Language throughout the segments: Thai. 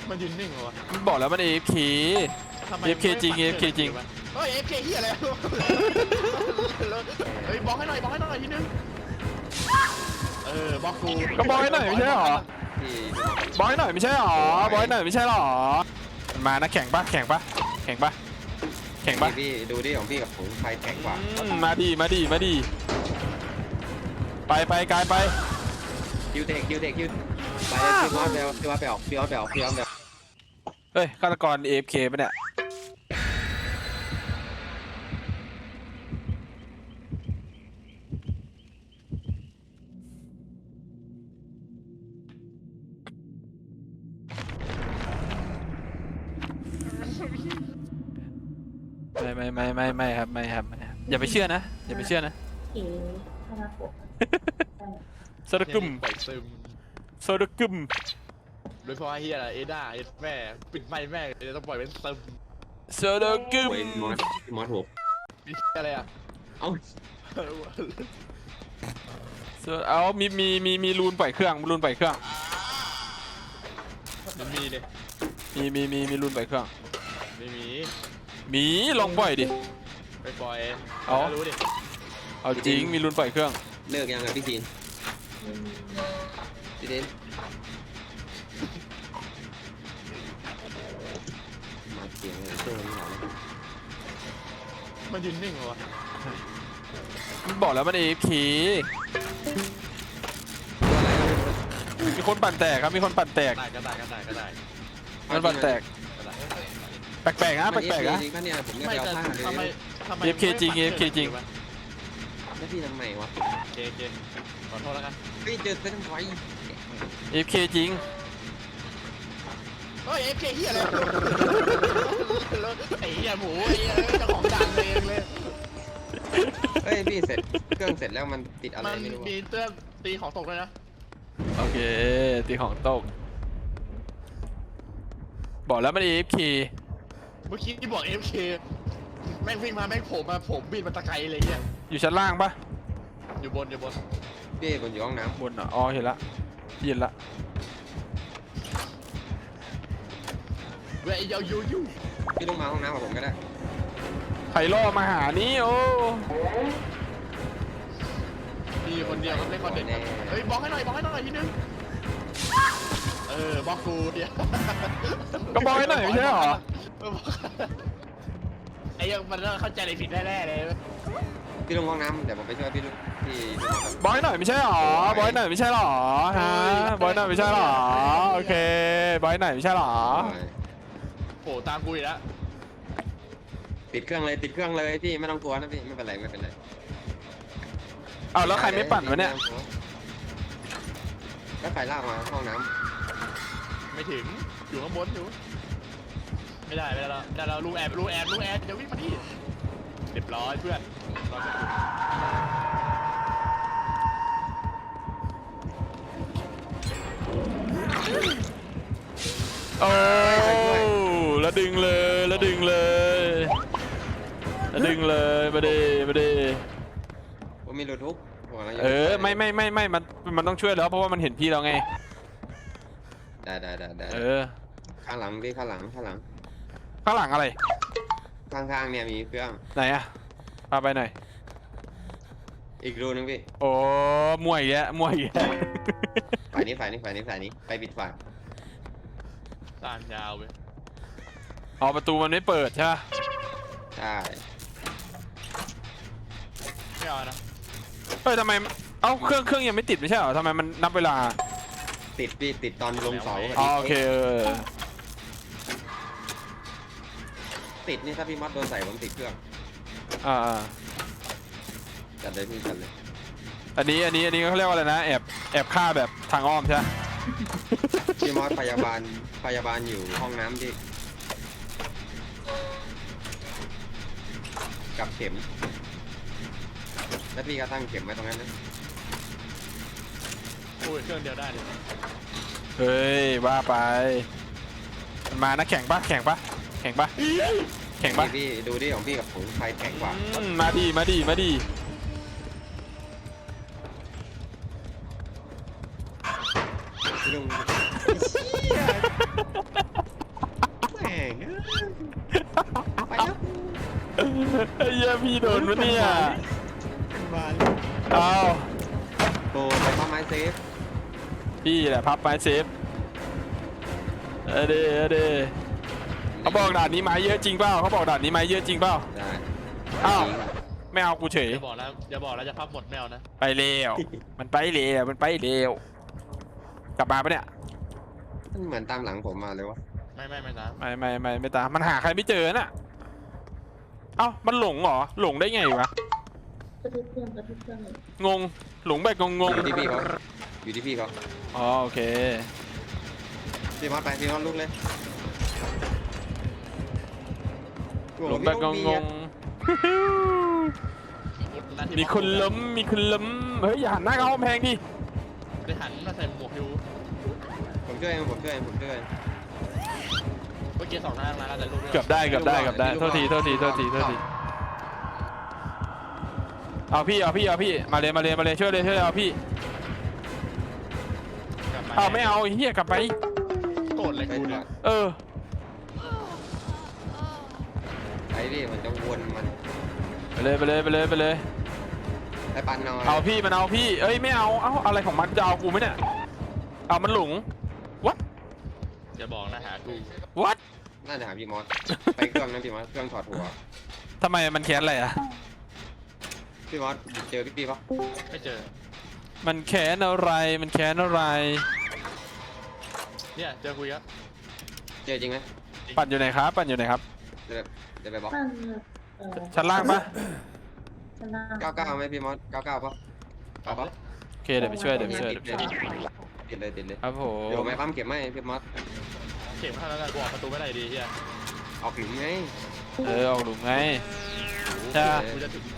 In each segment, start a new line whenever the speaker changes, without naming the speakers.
มันยืนนิ่งเหรอวะ
มันบอกแล้วมัน AFK
ทำไม
AFK จริง AFK จริง
เฮ้ย AFK เฮียอะไรเฮ้ยบล็อกให้หน่อยบล็อกให้หน่อยทีนึงบล็อกกู
ก็บอยหน่อยไม่ใช่หรอ
พี่
บอยหน่อยไม่ใช่หรอบอยหน่อยไม่ใช่หรอมานะแข่งปะแข่งปะแข่งปะแข่งปะ
พี่ดูดิของพี่กับผมใครแข็งกว่า
มาดีมาดีมาดีไปไปกายไป
คิวเด็กไปพี่มอสไปออกพี่มอสไปออก
เฮ้ยฆาตกร AFK ปะเนี่ยไม่ครับไม่ครับอย่าไปเชื่อนะอย่าไปเชื่อนะ
เอ๋คาราโกะ
โซดากุม
ปล่อยซึม
โซดากุม
โดยเฉพาะเฮียอะไรเอด้าแม่ปิดไมค์แม่จะต้องปล่อยเป็นซึม
โซดากุม
โอ้ยมอสถูก
มีอะไรอ่ะ
เอ้า
เอามีรูนปล่อยเครื่องรูนปล่อยเครื่อง
มันมีเลย
มีรูนปล่อยเครื่อง
ไม่มี
มีลองปล่อยดิ
ไปปล่อย
เอา
รู้ดิ
เอาจริงมีรูนปล่อยเครื่อง
เลิกยังไงพี่จีนพี่เดนมาเสียงเลยช่วงนี้หน่อย
มันยืนนิ่งเหรอวะ
มันบอกแล้วมัน AFK มีคนปั่นแตกครับมีคนปั่นแตก
ได้ก็ได้
มันปั่นแตกแปลกๆนะแปลกๆนะ
จริงป่ะเนี่ยผมจะ
ไม่
ไปเอา
แต่
ผ้าเลย
ทำไม
AFK จริง AFK จริง
แล้วพี่ทำไมวะ
โอเคขอโทษแล้วกัน
พี่เจอเส้นไฟ
AFK จริง
เฮ้ย AFK เฮียอะไรไอ้เฮียหมูไอ้เฮียเจ้าของดังเองเลย
เฮ้ยพี่เสร็จเครื่องเสร็จแล้วมันติดอะไร
มัน
ไม่รู้
มีเตือนตีของตกเลยนะ
โอเคตีของตกบอกแล้วมัน AFK
เมื่อกี้ที่บอก AFK แม่งวิ่งมาแม่งโผล่มาผมบินมาตะไคร้เลยเฮีย
อยู่ชั้นล่างปะ
อยู่บน
พี่บนอยู่ห้องน้
บนอ๋อเห็นละเย็นละ
เว้ยยาวยู
ำพี่ลงมาห้องน้ำกับผมก็ได้
ไผ่ล่อมาหานี่โอ้
มีคนเดียวก็เล่นคอนเทนต์เฮ้ยบล็อกให้หน่อยทีนึงบล็อกกูเดียว
ก็บอยหน่อยไม่ใช่หรอ
ไอ้ยังมันเข้าใจอะไรผิดแน่ๆเลย
พี่ลงห้องน้ำเดี๋ยวผมไปช่วยพี่พี่
บอยหน่อยไม่ใช่หรอบอยหน่อยไม่ใช่หรอฮะบอยหน่อยไม่ใช่หรอโอเคบอยหน่อยไม่ใช่หรอ
โผล่ตามกูอีกแล้ว
ติดเครื่องเลยพี่ไม่ต้องกลัวนะพี่ไม่เป็นไร
เอาแล้วใครไม่ปั่นวะเนี่ย
แล้วใครลากมาห้องน้
ไม่ถึงอยู่ข้างบนอยู่ไม่ได้แล้วแต่เราลูกแอบจะวิ่งมาที่เรียบร้อยเพื่อนรอสักครู่
โอ้แล้วดึงเลยมาดี
ำผมมีรถทุก
มันต้องช่วยแล้วเพราะว่ามันเห็นพี่เราไง
ได้ ข้างหลังพี่ข้างหลัง
ข้างหลังอะไร
ข้างเนี่ยมีเครื่อง
ไหนอะพาไปหน่อย
อีกรูนึงพี่
โอ้มวยแยะ
ฝ่ายนี้ไปปิดฝ่าย
ตามยาวเว้ย
อ๋อประตูมันไม่เปิดใช่ปะ
ใช่
ไม่เอานะ
เฮ้ยทำไมเอ้าเครื่องยังไม่ติดไม่ใช่เหรอทำไมมันนับเวลา
ติดพี่ติดตอนลงเสา
อ๋อโอเค
ติดนี่ถ้าพี่มอสโดนใส่ผมติดเครื่อง
อ่า
จัดเลยพี่จัดเลย
อันนี้เขาเรียกว่าอะไรนะแอบฆ่าแบบทางอ้อมใช่ปะ
พี่มอสพยาบาลอยู่ห้องน้ำที่กับเข็มแล้วพี่ก็ตั้งเข็มไว้ตรงนั้นนะ
โอ้ยเครื่องเดียวได้เลย
เฮ้ยว่าไปมันมานะแข่งปะ
พี่ดูดิของพี่กับผมใครแข็งกว่า
มาดี
พี่ลุง
เหี้ยพี่โดนปะเนี่ย
มาเลย
เอา
โอ้ไปปั๊มไม้เซฟ
พี่แหละพับไม้เซฟเดเขาบอกด่านนี้ไม้เยอะจริงเปล่าเขาบอกด่านนี้ไม้เยอะจริงเปล่า
ได้
อ้าวไม่เอากูเฉย
อย่าบอกแล้วจะพับหมดแมวนะ
ไปเร็วมันไปเร็วมันไปเร็วกลับมาปะเนี่ย
มันเหมือนตามหลังผมมาเลยวะ
ไม่นะ
ไม่ตามมันหาใครไม่เจอน่ะเอ้ามันหลงเหรอหลงได้ไงวะ
กระทุกเครื่องเลย
งงหลงแบบงง
อยู่ที่พี่เขาอยู่ที่พี่เขา
ๆอ๋อโอเค
พี่มอสไปพี่มอสลุกเลย
หลงแบบงงๆมีคนล้มเฮ้ยอย่าหันหน้าเข้ากำแพงดิ
ได้หันมาใส่หมวกอยู่
ผมช่วยเองผมช่วยเอง
เมื่อกี้2 ทางแล้วแต่ลูก
เกือบได้โทษทีเอาพี่มาเลยช่วยเลยเอาพี่เอาไม่เอาเฮียกลับไป
โกรธเลย
ไป
กู
ก่
เนี่
อย น
เออ
ไอ้พี่มันจะวนมัน
ไปเลย
ไอ้ปันนอน
เอาพี่มันเอาพี่เอ้ยไม่เอาอะไรของมันจะเอากูไหมเนี่ยเอามันหลง what
อย่าบอกนะหากู
what
น่าจะหาพี่มอสไปเครื่องนั้นพี่มอสเครื่องถอดหัว
ทำไมมันแค้นอะไรอ่ะ
พี่มอสเจอพี่ปะ
ไม่เจอ
มันแค้นอะไร
เนี่ยเจอคุยครับ
เจอจริงไหม
ปั่นอยู่ไหนครับ
เดี๋ยวไปบอก
ตั้ง
ชั้นล่างปะ
ชนะ
99ไหมพี่มอส99ปะเอาปะ
โอเคเดี๋ยวไปช่วย
ติดเลย
ครับผม
เดี๋ยวไม่ปั๊มเก็บไหมพี่มอส
เข็มข้างแล้วกันกูออกประตูไม่ได้ดีเฮีย
เอาผิวไง
ออกหลุมไง ใช่
กูจะถึง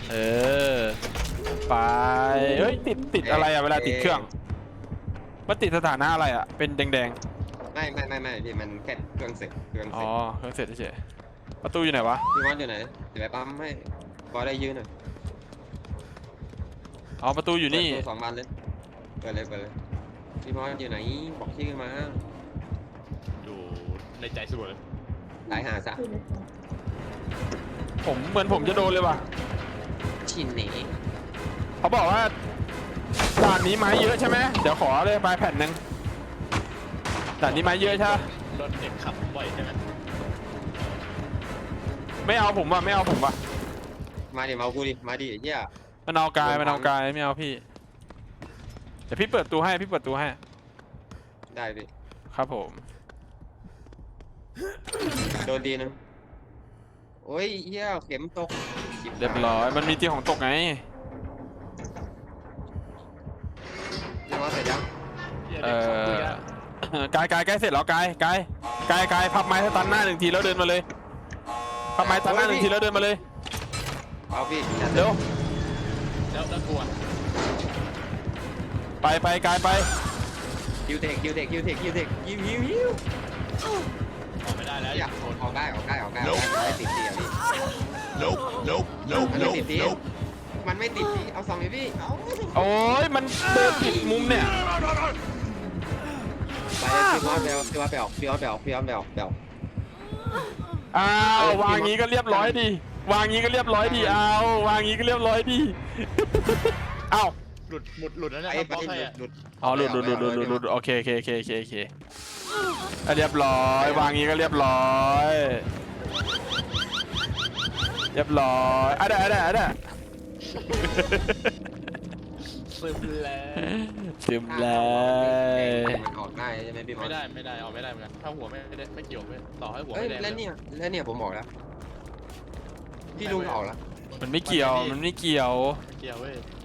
ไปเฮ้ยติดอะไรอ่ะเวลาติดเครื่องมันติดสถานะอะไรอ่ะเป็นแดง
ไม่พี่มันแค่เครื่องเสร็จ
ๆอ๋อเครื่องเสร็จเฉยๆประตูอยู่ไหนวะ
พี่มอสอยู่ไหนเดี๋ยวไปปั๊มให้บอสได้ยืนหน่อย
อ๋อประตูอยู่นี่
2 บานเลยเปิดเลยพี่มอสอยู่ไหนบอกชื่อมา
อยู่ในใจสุดเลย
ตายหาซะ
คือเลย
ผมเหมือนผมจะโดนเลยว่ะ
ชินหนี
เขาบอกว่าด่านนี้ไม้เยอะใช่ไหมเดี๋ยวขอเลยไปแผ่นหนึ่งด่านนี้ไม้เยอะใช่ปะ
รถเด็กขับบ่อยใช่ไหม
ไม่เอาผมว่ะ
มาดิมากูดิมาดิเหี้ย
มันเอากายไม่เอาพี่เดี๋ยวพี่เปิดตูให้
ได้พี่
ครับผม
โดนดีนึงโอ้ยเหี้ยเข็มตก
เรียบร้อยมันมีที่ของตกไง
พี่มอสเสร็จยัง
เฮียเด็กขับคุยอะ
กายเสร็จแล้วกายพับไม้สตันหน้า1 ทีแล้วเดินมาเลยพับไม้สตันหน้า1 ทีแล้วเดินมาเลย
เอาพี่
เร็ว
แล้วกลัว
ไปกายไป
คิวเทคยิวยิว
ออกไม่ได้แล้ว
อยากออกได้ไม่ติดดีอ่ะพี่มันไม่ติดดีมันไม่ติดดีเอา2เลยพี่เอา
โอ้ยมันเดินผิดมุมเนี่ย
ไปเลยพี่มอสพี่มอสไปออก
อ้าววางงี้ก็เรียบร้อยดีวางงี้ก็เรียบร้อยดีเอาวางงี้ก็เรียบร้อยดีเอ้า
หลุดแล้วเนี่ย
ไอ้
บล็อกให้อะ
หลุด
อ๋อหลุดโอเคเรียบร้อยวางงี้ก็เรียบร้อยอ่ะได้ ซึมแล้ว
มันออกได้ใช่ไหมพี่มอ
ไม่
ส
ได้ออกไม่ได้เหมือนกันถ้าหัวไม่เกี่ยวไม่ต่อให้หัว
เอ้ย
ไม่แดง
แล้วเนี่ยผมบอกแล้วพี่ลุงออกแล้ว
มันไม่เกี่ยว
ไม่เกี่ยวเว้ย